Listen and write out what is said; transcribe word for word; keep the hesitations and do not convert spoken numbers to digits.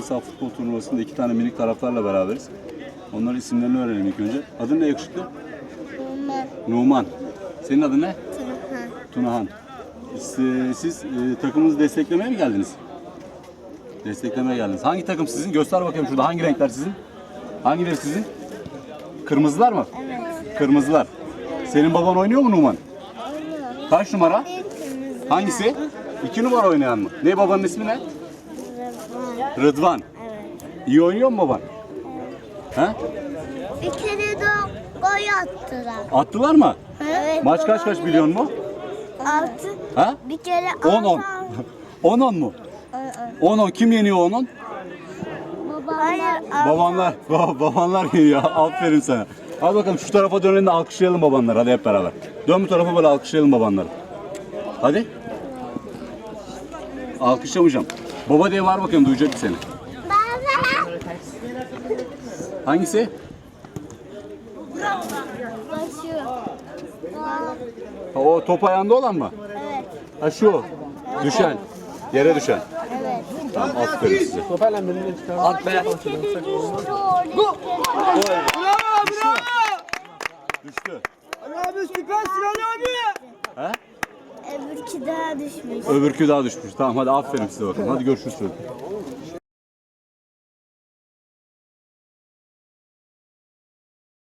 saha futbol turnuvasında iki tane minik taraftarla beraberiz. Onların isimlerini öğrenelim ilk önce. Adın ne yakışıklı? Numan. Numan. Senin adın ne? Tunahan. Tunahan. Siz, siz e, takımınızı desteklemeye mi geldiniz? Desteklemeye geldiniz. Hangi takım sizin? Göster bakayım şurada. Hangi renkler sizin? Hangileri sizin? Kırmızılar mı? Evet. Kırmızılar. Senin baban oynuyor mu Numan? Oynuyor. Kaç numara? Bir kırmızı. Hangisi? İki numara oynayan mı? Ne babanın ismi ne? Rıdvan. Rıdvan. Evet. İyi oynuyor mu baban? He? Bir kere de gol attılar. Attılar mı? Evet. Maç kaç kaç biliyor musun? Altı. Ha? Bir kere on on. on on mu? on on. Kim yeniyor on on? Babalar. Babanlar. Ba- babanlar yeniyor. Aferin sana. Hadi bakalım şu tarafa dönelim de alkışlayalım babanları. Hadi hep beraber. Dön bu tarafa böyle alkışlayalım babanları. Hadi. Alkışlamayacağım. Baba diye var bakayım, duyacak seni. Baba. Hangisi? Başı. Ha, o top ayağında olan mı? Evet. Ha şu. Düşen. Yere düşen. Evet. Tamam, aferin size. At be. Bir kere düştü orada. Düştü. Ali abi süpersin Ali abi. He? Öbürkü daha düşmüş. Öbürkü daha düşmüş. Tamam hadi aferin size bakalım. Hadi görüşürüz çocuk.